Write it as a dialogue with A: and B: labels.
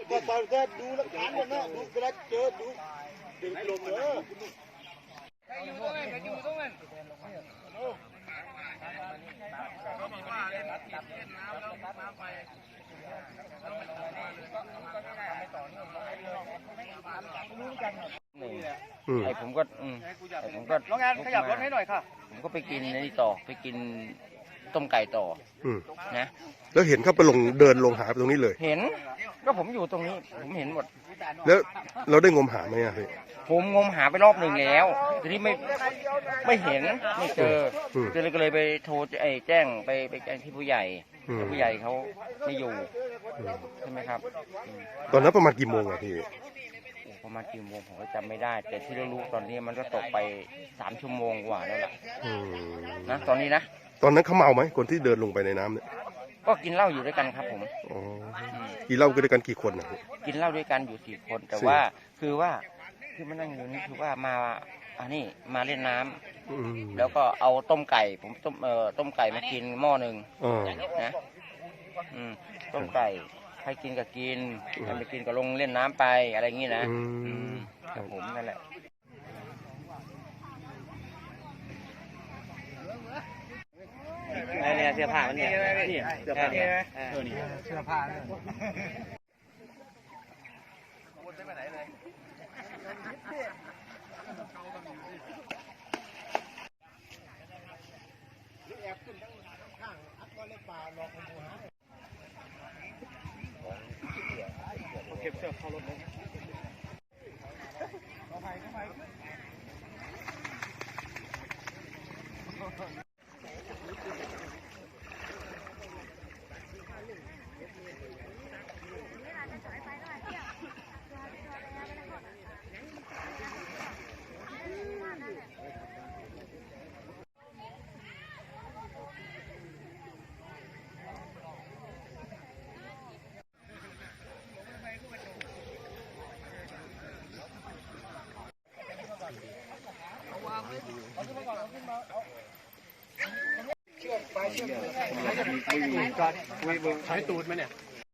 A: ก็ตอนก็ดูหลักฐานกันนะดูกระเจอดูเดินลงเลยใครอยู่ตรงนั้นใครอยู่ตรงนั้นเขาบอกว่าเล่นน้ำแล้วน้ำไป
B: ไอ้ผมก็
A: น้องงานขยับรถให้หน่อยค่ะ
B: ผมก็ไปกินนี่ต่อไปกินต้มไก่ต่อนะ
C: แล้วเห็นเขาไปเดินลงหาตรงนี้เลย
B: เห็นก็ผมอยู่ตรงนี้ผมเห็นหมด
C: แล้วเราได้งมหาไหมอ่ะพี่
B: ผมงมหาไปรอบหนึ่งแล้วทีนี้ไม่เห็นไม่เจอก็เลยไปโทรแจ้งไปแจ้งที่ผู้ใหญ่แต่ผู้ใหญ่เขาไม่อยู่ใช่ไหมครับ
C: ตอนนั้นประมาณกี่โมงอ่ะพี่
B: ประมาณกี่โมงผมก็จำไม่ได้แต่ที่เรารู้ตอนนี้มันก็ตกไป3 ชั่วโมงกว่าแล้วล่ะนะตอนนี้นะ
C: ตอนนั้นเขาเมาไหมคนที่เดินลงไปในน้ำเนี่ย
B: ก็กินเหล้าอยู่ด้วยกันครับผม
C: กินเหล้าด้วยกันกี่คนนะ
B: กินเหล้าด้วยกันอยู่4 คนแต่ว่าคือที่มานั่งอยู่นี่คือว่ามานี่มาเล่นน้ำแล้วก็เอาต้มไก่ผมต้มไก่มากินหม้อหนึ่งนะต้มไก่ใครกินก็กินใครไม่กินก็ลงเล่นน้ำไปอะไรอย่างนี้นะครับผมนั่นแหละเนี่ยเสื้อผ้ามันเนี่ยเสื้อผ้าเนี่ยเสื้อผ้าเก็บเสื้อเข้ารถเลยใช้ตูดไหมเนี่ย